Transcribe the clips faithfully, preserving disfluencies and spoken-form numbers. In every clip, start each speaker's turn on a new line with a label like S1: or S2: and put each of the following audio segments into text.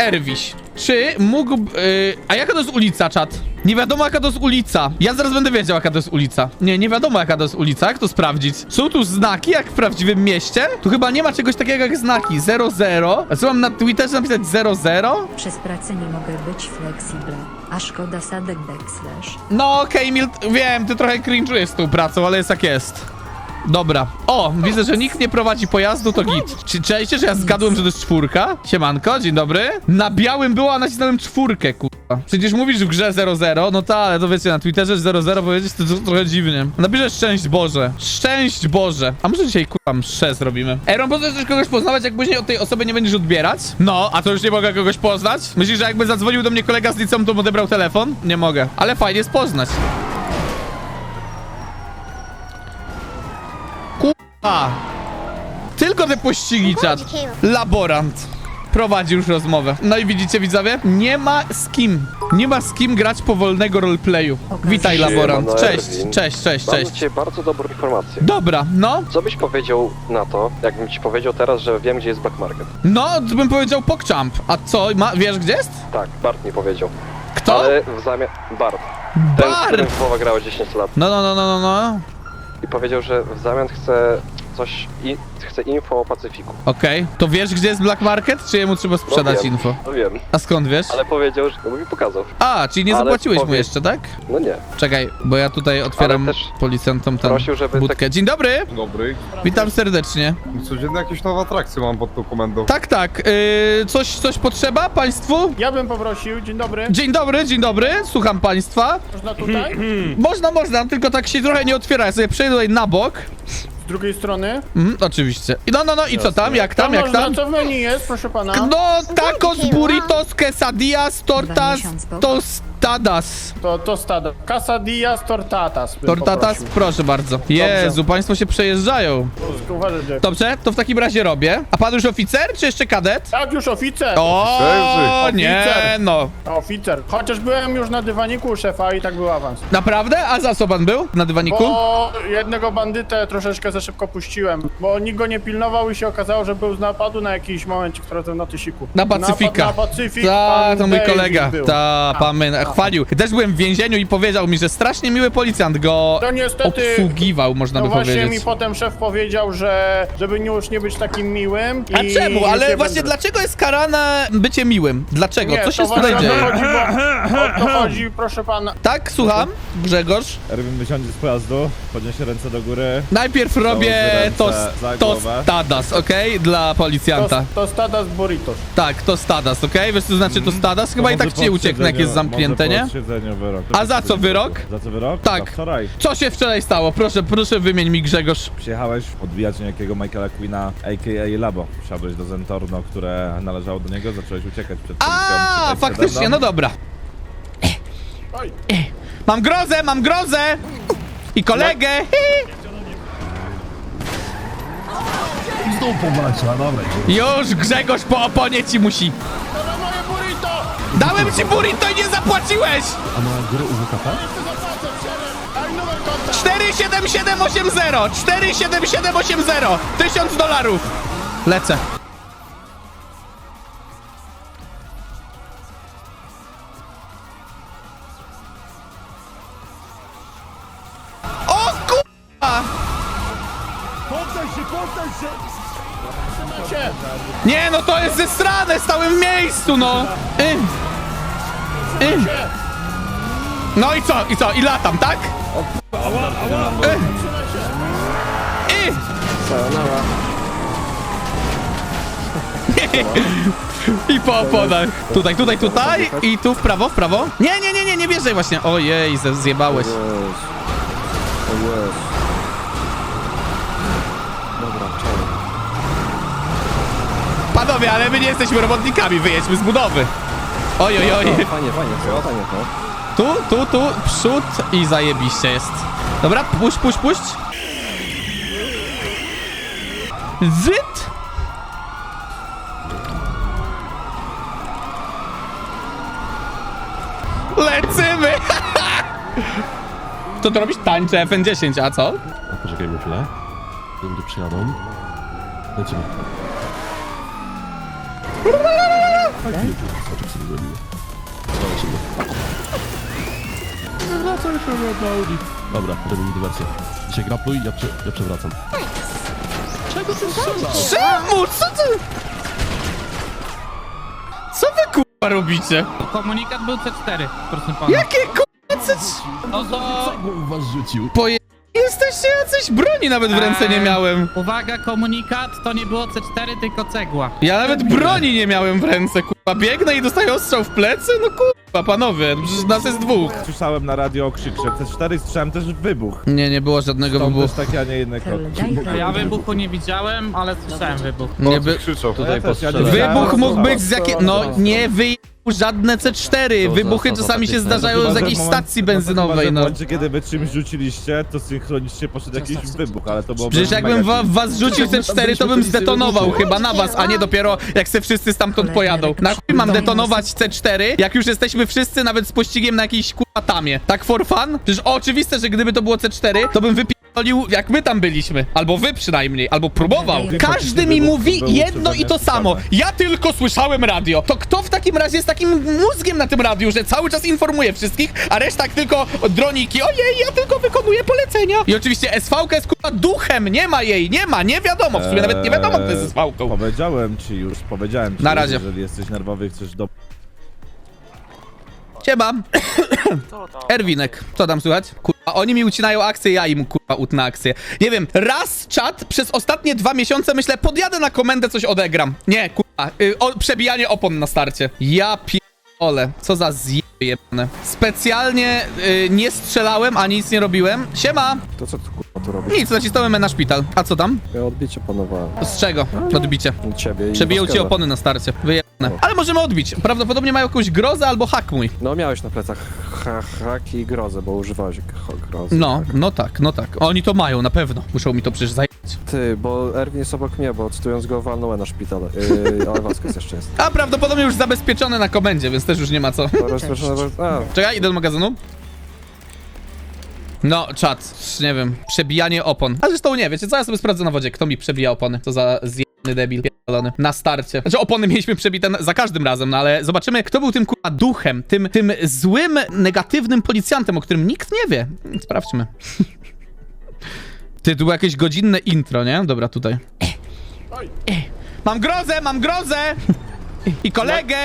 S1: Erwiś. Czy mógł... Yy, a jaka to jest ulica, czat? Nie wiadomo, jaka to jest ulica. Ja zaraz będę wiedział, jaka to jest ulica. Nie, nie wiadomo, jaka to jest ulica. Jak to sprawdzić? Są tu znaki, jak w prawdziwym mieście? Tu chyba nie ma czegoś takiego jak znaki. zero zero. A co mam na Twitterze napisać zero zero?
S2: Przez pracę nie mogę być flexible, a szkoda sadek backslash.
S1: No okej, okay, wiem, ty trochę cringe'ujesz z tą pracą, ale jest jak jest. Dobra. O, widzę, że nikt nie prowadzi pojazdu, to git. Czy czajcie, że ja zgadłem, że to jest czwórka? Siemanko, dzień dobry. Na białym było, a nacisnąłem czwórkę, kurwa. Przecież mówisz w grze zero zero, no ta, ale to wiecie, na Twitterze zero zero powiedzieć to, to trochę dziwnie. Napiszę szczęść Boże. Szczęść Boże. A może dzisiaj, kurwa, mszę zrobimy? Aaron, po co chcesz kogoś poznawać, jak później od tej osoby nie będziesz odbierać? No, a to już nie mogę kogoś poznać? Myślisz, że jakby zadzwonił do mnie kolega z liceum, to odebrał telefon? Nie mogę. Ale fajnie jest poznać. A, tylko te pościgi, czat. Laborant prowadzi już rozmowę. No i widzicie, widzowie? Nie ma z kim. Nie ma z kim grać powolnego roleplayu. Witaj, laborant. Cześć, cześć, cześć,
S3: Mam
S1: cześć.
S3: dla ciebie bardzo dobrą informację.
S1: Dobra, no.
S3: Co byś powiedział na to, jakbym ci powiedział teraz, że wiem, gdzie jest Black Market?
S1: No, to bym powiedział PogChamp. A co, ma, wiesz, gdzie jest?
S3: Tak, Bart mi powiedział.
S1: Kto?
S3: Ale w zamian... Bart. Ten, z którym
S1: Bart!
S3: Wowa grała dziesięć lat.
S1: No, no, no, no, no, no.
S3: I powiedział, że w zamian chce coś... I... chce info o Pacyfiku.
S1: Okej. To wiesz, gdzie jest Black Market, czy jemu trzeba sprzedać
S3: no wiem,
S1: info?
S3: No wiem,
S1: A skąd wiesz?
S3: ale powiedział, że... No mi pokazał.
S1: A, czyli nie
S3: Ale
S1: zapłaciłeś mu
S3: powie-
S1: jeszcze, tak?
S3: No nie.
S1: Czekaj, bo ja tutaj otwieram
S3: Ale też
S1: policjantom tę
S3: prosił, żeby
S1: budkę.
S3: tak-
S1: Dzień dobry!
S4: Dobry.
S1: Witam serdecznie.
S4: Codziennie jakieś nowe atrakcje mam pod tą komendą.
S1: Tak, tak. Yy, coś, coś potrzeba państwu?
S5: Ja bym poprosił, dzień dobry.
S1: Dzień dobry, dzień dobry. Słucham państwa.
S5: Można tutaj?
S1: Można, można, tylko tak się trochę nie otwiera. Ja sobie przejdę tutaj na bok.
S5: Z drugiej strony.
S1: Mhm, oczywiście. I no, no, no i co tam? Jak tam, jak
S5: można,
S1: tam?
S5: co w menu jest, proszę pana?
S1: No, tacos, burritos, quesadillas, tortas,
S2: miesiąc po-
S1: tostadas.
S5: To, to stada. Quesadillas tortatas bym
S1: Tortatas,
S5: poprosił.
S1: proszę bardzo. Jezu, państwo się przejeżdżają.
S5: Tylko uważaj, Jack.
S1: Dobrze, to w takim razie robię. A pan już oficer, czy jeszcze kadet?
S5: Tak, już oficer.
S1: O,
S5: Oficer.
S1: nie, no.
S5: Oficer. Chociaż byłem już na dywaniku u szefa i tak był awans.
S1: Naprawdę? A za co pan był na dywaniku?
S5: Bo jednego bandytę troszeczkę za szybko puściłem, bo nikt go nie pilnował i się okazało, że był z napadu na jakiś momencie, który na tysiku.
S1: Na Pacyfika.
S5: Napad na Pacyfik.
S1: Ta,
S5: pan
S1: to mój
S5: David
S1: kolega.
S5: był.
S1: Ta, pan mnie chwalił. Też byłem w więzieniu i powiedział mi, że strasznie miły policjant go
S5: To niestety-
S1: obsługiwał, można
S5: No
S1: by
S5: właśnie
S1: powiedzieć.
S5: mi potem szef powiedział, że żeby już nie być takim miłym.
S1: A
S5: i
S1: czemu?
S5: już
S1: Ale
S5: nie
S1: właśnie
S5: będę.
S1: dlaczego jest karane bycie miłym? Dlaczego?
S5: Nie,
S1: Co się
S5: to
S1: tutaj
S5: właśnie o to
S1: dzieje?
S5: chodzi, bo, o to chodzi, proszę pana.
S1: Tak, słucham, Grzegorz.
S6: Erwin wysiądzie z pojazdu, podniesie ręce do góry.
S1: Najpierw robię
S6: ręce
S1: to,
S6: za
S1: to
S6: głowę.
S1: stadas, okej? Dla
S5: To,
S1: policjanta.
S5: to stada z burritos.
S1: Tak, to stadas, okej? Wiesz co znaczy to stadas? Chyba i tak ci nie ucieknę, jak jest zamknięte, nie?
S6: Wyrok.
S1: A za co wyrok?
S6: Za co wyrok?
S1: Tak.
S6: Za wczoraj
S1: Co się wczoraj stało? Proszę, proszę wymień mi, Grzegorz.
S6: przyjechałeś odbijać niejakiego Michaela Queena, a k a. Labo. Wsiadłeś do Zentorno, które należało do niego, zacząłeś uciekać przed policją.
S1: A,
S6: przed
S1: faktycznie,
S6: Amsterdanem.
S1: no dobra.
S5: Oj.
S1: Mam grozę, mam grozę! I kolegę!
S7: Znów powalczyła, dobra.
S1: Już Grzegorz po oponie ci musi.
S5: To na moje burrito!
S1: Dałem ci burrito i nie zapłaciłeś!
S7: A na górę u W K P?
S5: Daj numer konta!
S1: cztery siedem siedem osiem zero! cztery siedem siedem osiem zero! Tysiąc dolarów! Lecę. O kurwa!
S5: Cię.
S1: Nie, no to jest zesrane, stałem w miejscu, no! Y. Y. No i co, i co, i latam, tak? Y. Y. I po oponach. Tutaj, tutaj, tutaj i tu w prawo, w prawo. Nie, nie, nie, nie, nie wjeżdżaj właśnie. Ojej, ze- zjebałeś. Panowie, ale my nie jesteśmy robotnikami, wyjedźmy z budowy. Oj, oj, oj.
S3: Fajnie, fajnie, to, fajnie to.
S1: Tu, tu, tu, przód i zajebiście jest. Dobra, puść, puść, puść. Zyt. Lecymy! Co to robisz? Tańczę F N dziesięć, a co?
S7: A poczekajmy chwilę. Zanim tu przyjadą. Lecimy. Soczek sobie zrobimy. Dawaj się go. Wracaj się na Audi. Dobra, robimy dywersję. Dzisiaj grapluj, ja, prze, ja przewracam. Czego ty strzelasz?
S1: Czemu? Co ty? Co wy kurwa robicie?
S8: Komunikat był C cztery, proszę pana.
S1: Jakie kurwa coś?
S8: No to...
S7: Czego u was rzucił?
S1: Poje... Jesteście jacyś broni nawet w ręce nie miałem.
S8: Uwaga, komunikat to nie było C cztery, tylko cegła.
S1: Ja nawet broni nie miałem w ręce, kurwa. Biegnę i dostaję ostrzał w plecy? No kurwa, panowie, przecież nas jest dwóch.
S6: Słyszałem na radio okrzyk, że C cztery słyszałem też wybuch.
S1: Nie, nie było żadnego
S6: Stąd
S1: wybuchu.
S6: też taki, a nie inny kod.
S8: Ja wybuchu nie widziałem, ale słyszałem wybuch.
S1: Nie by...
S4: Krzyczał.
S6: Tutaj postrzelałem.
S1: Wybuch mógł być z jakiej... No, nie wyjechał żadne C cztery. Wybuchy czasami się zdarzają z jakiejś stacji benzynowej,
S6: W
S1: no.
S6: momencie, kiedy wy czymś rzuciliście, to synchronicznie poszedł jakiś wybuch, ale to było...
S1: Przecież jakbym wa was rzucił C cztery, to bym zdetonował chyba na was, a nie dopiero jak se wszyscy stamtąd pojadą. Na chuj mam detonować C cztery, jak już jesteśmy wszyscy nawet z pościgiem na jakiejś kurwa tamie. Tak for fun? Przecież oczywiste, że gdyby to było C cztery, to bym wypierdolił jak my tam byliśmy. Albo wy przynajmniej, albo próbował. Każdy mi mówi jedno i to samo. Ja tylko słyszałem radio. To kto w takim razie jest takim mózgiem na tym radiu, że cały czas informuje wszystkich, a reszta tylko droniki. Ojej, ja tylko wykonuję polecenia. I oczywiście S V K jest kurwa duchem. Nie ma jej, nie ma, nie wiadomo. W sumie nawet nie wiadomo, kto jest S V Ką.
S6: Powiedziałem ci już, powiedziałem ci
S1: Na
S6: już,
S1: razie.
S6: jeżeli jesteś nerwowy, chcesz do...
S1: Siema. Erwinek, co tam słychać? Kurwa, oni mi ucinają akcję, ja im kurwa utnę akcję. Nie wiem, raz czat przez ostatnie dwa miesiące myślę, podjadę na komendę, coś odegram. Nie, kurwa, y, o, przebijanie opon na starcie. Ja pierdolę, co za zjeby jebane. Specjalnie y, nie strzelałem, ani nic nie robiłem. Siema.
S3: To co tu kurwa tu robisz?
S1: Nic, nacisnąłem E na szpital. A co tam?
S3: Ja odbicie panowałem.
S1: Z czego? Odbicie.
S3: Ciebie i
S1: Przebiją ci
S3: Waskera.
S1: opony na starcie. Wyjebane. Ale możemy odbić. Prawdopodobnie mają jakąś grozę albo hak mój.
S3: No miałeś na plecach ha haki i grozę, bo używałeś ha grozy.
S1: No, no tak, no tak. Oni to mają, na pewno. Muszą mi to przecież zajęć.
S3: Ty, bo Erwin jest obok mnie, bo cytując go walnąłem na szpital. Yy, ale Vasquez jeszcze jest.
S1: A prawdopodobnie już zabezpieczone na komendzie, więc też już nie ma co.
S3: To rozpoczynamy... A,
S1: Czekaj, idę do magazynu. No, czat, nie wiem, przebijanie opon. A zresztą nie, wiecie co, ja sobie sprawdzę na wodzie, kto mi przebija opony. Co za zjebany debil, pierdolony. Na starcie. Znaczy opony mieliśmy przebite na- za każdym razem, no ale zobaczymy, kto był tym kurwa duchem, tym, tym złym, negatywnym policjantem, o którym nikt nie wie. Sprawdźmy. Ty, tu było jakieś godzinne intro, nie? Dobra, tutaj. Mam grozę, mam grozę! I kolegę!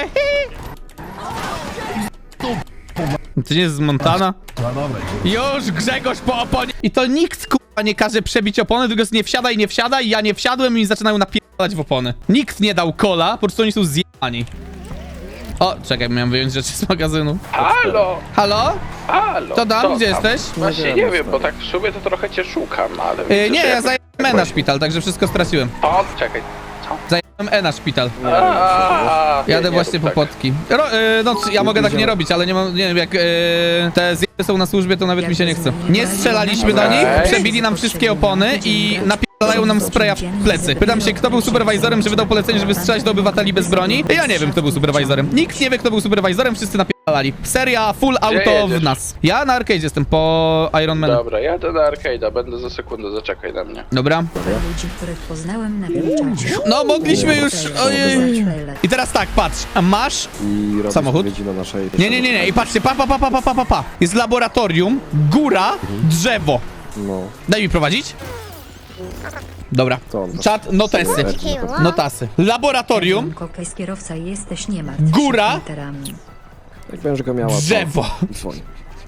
S1: To nie jest z Montana?
S7: No dobra,
S1: Już Grzegorz po oponie. I to nikt kurwa nie każe przebić opony, tylko jest nie wsiadaj, nie wsiadaj. Ja nie wsiadłem i zaczynają napierdalać w opony. Nikt nie dał kola, po prostu oni są zjebani. O, czekaj, miałem wyjąć rzeczy z magazynu.
S9: Halo,
S1: Halo?
S9: halo.
S1: To dam,
S9: co
S1: gdzie
S9: tam?
S1: jesteś?
S9: Właśnie nie wiem, bo tak w sumie to trochę cię szukam, ale...
S1: Yy,
S9: widzę,
S1: nie,
S9: że
S1: ja
S9: jakoś-
S1: zajęłem E na szpital, także wszystko straciłem.
S9: O, czekaj.
S1: Zajęłem E na szpital.
S9: A, nie,
S1: Jadę
S9: nie
S1: właśnie
S9: rób
S1: po
S9: tak.
S1: potki. Ro, yy, no, c- ja mogę tak nie robić, ale nie mam, nie wiem, jak yy, te zjeby są na służbie, to nawet mi się nie chce. Nie strzelaliśmy do nich,
S9: Okej.
S1: przebili nam wszystkie opony i napierdalają nam spraya w plecy. Pytam się, kto był superwajzorem, że wydał polecenie, żeby strzelać do obywateli bez broni? Ja nie wiem, kto był superwajzorem. Nikt nie wie, kto był superwajzorem, wszyscy napierdalali. Seria full auto w
S9: jedziesz?
S1: nas. Ja na arcade jestem, po Iron Man.
S9: Dobra, jadę na arcade'a, będę za sekundę, zaczekaj na mnie.
S1: Dobra.
S2: Ludzi, których poznałem na Wilczacie.
S1: No, mogliśmy już... Ojej. I teraz tak, patrz. Masz...
S3: I robisz
S1: Samochód?
S3: odpowiedzi na naszej...
S1: Nie, nie, nie, nie. I patrzcie, pa, pa, pa, pa, pa, pa, pa, pa. Jest laboratorium, góra, drzewo.
S3: No,
S1: Daj mi prowadzić. Dobra.
S3: to on.
S1: Czat, notesy. Notasy. Laboratorium,
S2: Kokej z kierowca jesteś, nie martw się
S1: Góra.
S2: literami.
S3: Jak będziesz go miała, to
S1: drzewo.
S3: dzwoń.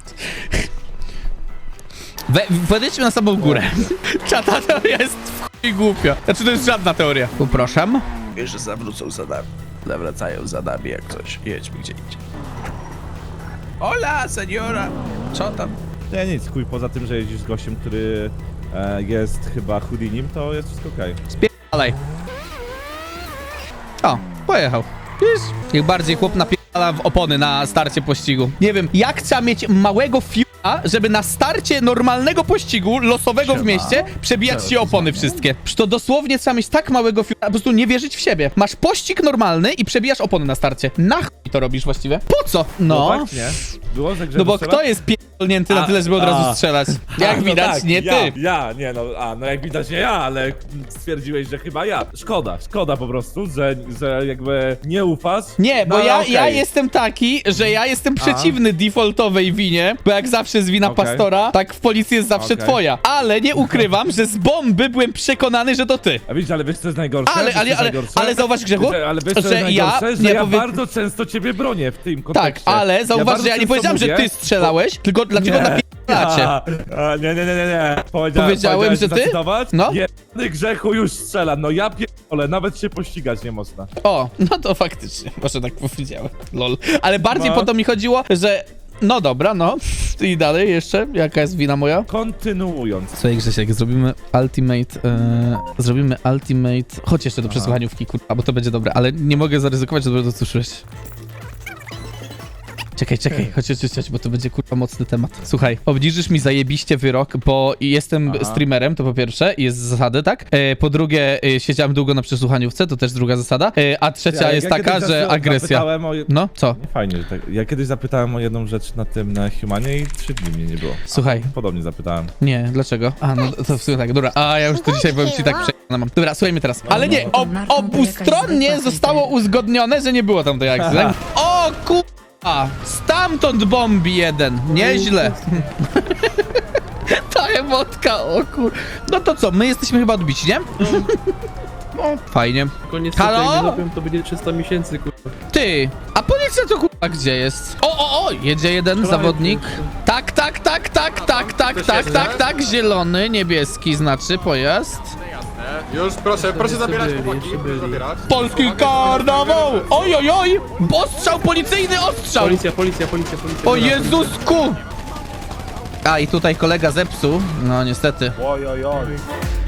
S1: We, podejdźmy na samą górę. Czata, to jest w chuj głupio. Znaczy, to jest żadna teoria. Poproszę.
S7: wiesz, że zawrócą za nami. Zawracają za nami jak coś. Jedźmy gdzie indziej. Hola, seniora! Co tam?
S6: Nie, nic, chuj, poza tym, że jeździsz z gościem, który e, jest chyba Houdinim, to jest wszystko okej.
S1: Spierdalaj. O, pojechał. Wiesz? Niech bardziej chłop napierdala w opony na starcie pościgu. Nie wiem, jak trzeba mieć małego fiuta, żeby na starcie normalnego pościgu, losowego w mieście, przebijać ci opony wszystkie. Przecież to dosłownie trzeba mieć tak małego fiuta, po prostu nie wierzyć w siebie. Masz pościg normalny i przebijasz opony na starcie. Na chuj to robisz właściwie? Po co?
S6: No
S1: No.
S6: tak, nie? było, że Grzegorz
S1: No bo
S6: strzela?
S1: kto jest pierdolnięty na
S6: A,
S1: tyle, żeby od razu
S6: a.
S1: strzelać?
S6: A,
S1: Jak
S6: no
S1: widać,
S6: tak,
S1: nie
S6: ja,
S1: ty.
S6: Ja, nie no, a no jak widać nie ja, ale stwierdziłeś, że chyba ja. Szkoda, szkoda po prostu, że, że jakby nie ufasz.
S1: Nie, bo
S6: no, ale
S1: ja,
S6: okej.
S1: ja jestem taki, że ja jestem przeciwny defaultowej winie, bo jak zawsze jest wina
S6: Okej.
S1: pastora, tak w policji jest zawsze
S6: Okej.
S1: twoja. Ale nie ukrywam, że z bomby byłem przekonany, że to ty.
S6: A widzisz, ale wiesz co jest najgorsze?
S1: Ale,
S6: Wiesz, co
S1: ale,
S6: jest
S1: ale,
S6: najgorsze?
S1: ale zauważ, Grzechu,
S6: Że- Ale wiesz co
S1: że
S6: jest
S1: ja
S6: najgorsze? Że
S1: nie
S6: ja
S1: powie...
S6: bardzo często ciebie bronię w tym
S1: Tak,
S6: kontekście.
S1: ale zauważ,
S6: bardzo
S1: że ja nie
S6: często
S1: powiedziałem, że
S6: mówię-
S1: ty strzelałeś, tylko dlaczego
S6: Nie.
S1: napierdalacie.
S6: A, a, nie, nie, nie, nie, nie. Powiedziałem,
S1: Powiedziałem, że ty?
S6: zacytować?
S1: No.
S6: Jebany Grzechu już strzela, no ja pierdolę, nawet się pościgać nie można.
S1: O, no to faktycznie, może tak powiedziałem, lol. Ale bardziej
S6: No.
S1: po to mi chodziło, że... No dobra, no. I dalej jeszcze, jaka jest wina moja?
S6: Kontynuując.
S1: Słuchaj Grzesiek, zrobimy ultimate, e, zrobimy ultimate, chodź jeszcze do przesłuchaniówki, kurwa, bo to będzie dobre, ale nie mogę zaryzykować, żeby to słyszeć. Czekaj, czekaj, chodź, chodź, chodź, bo to będzie kurwa mocny temat. Słuchaj, obniżysz mi zajebiście wyrok, bo jestem
S6: Aha.
S1: streamerem, to po pierwsze, jest zasady, tak? E, po drugie, e, siedziałem długo na przesłuchaniówce, to też druga zasada. E, a trzecia
S6: Ja-
S1: jest
S6: ja
S1: taka,
S6: kiedyś
S1: że
S6: zas-
S1: agresja.
S6: zapytałem O...
S1: No, co?
S6: Nie, fajnie, że tak. Ja kiedyś zapytałem o jedną rzecz na tym, na Humanie i trzy dni mnie nie było.
S1: Słuchaj.
S6: Podobnie zapytałem.
S1: Nie, dlaczego? A, no to w sumie tak, dobra. A, ja już to dzisiaj powiem ci tak przejdę mam. Dobra, słuchaj mnie teraz. Ale nie, ob, obustronnie zostało uzgodnione, że nie było tam tej akcji, tak? O kurwa! Stamtąd bombi jeden. Nieźle. Ta emotka, o kur... No to co, my jesteśmy chyba odbici, nie? Fajnie.
S7: Koniec
S1: Halo?
S7: to będzie trzysta miesięcy, kurwa.
S1: Ty, a policja to kurwa gdzie jest? O, o, o, jedzie jeden zawodnik. Tak, tak, tak, tak, tak, tak, tak, tak, tak, zielony, niebieski znaczy pojazd.
S4: Już, proszę, proszę zabierać
S7: byli,
S4: chłopaki,
S7: jeszcze
S4: proszę
S7: byli.
S4: zabierać.
S1: Polski karnawał! Oj, oj, oj! Ostrzał, policyjny ostrzał!
S7: Policja, policja, policja, policja.
S1: O Jezusku! A i tutaj kolega zepsuł. No niestety.
S4: Oj, oj, oj.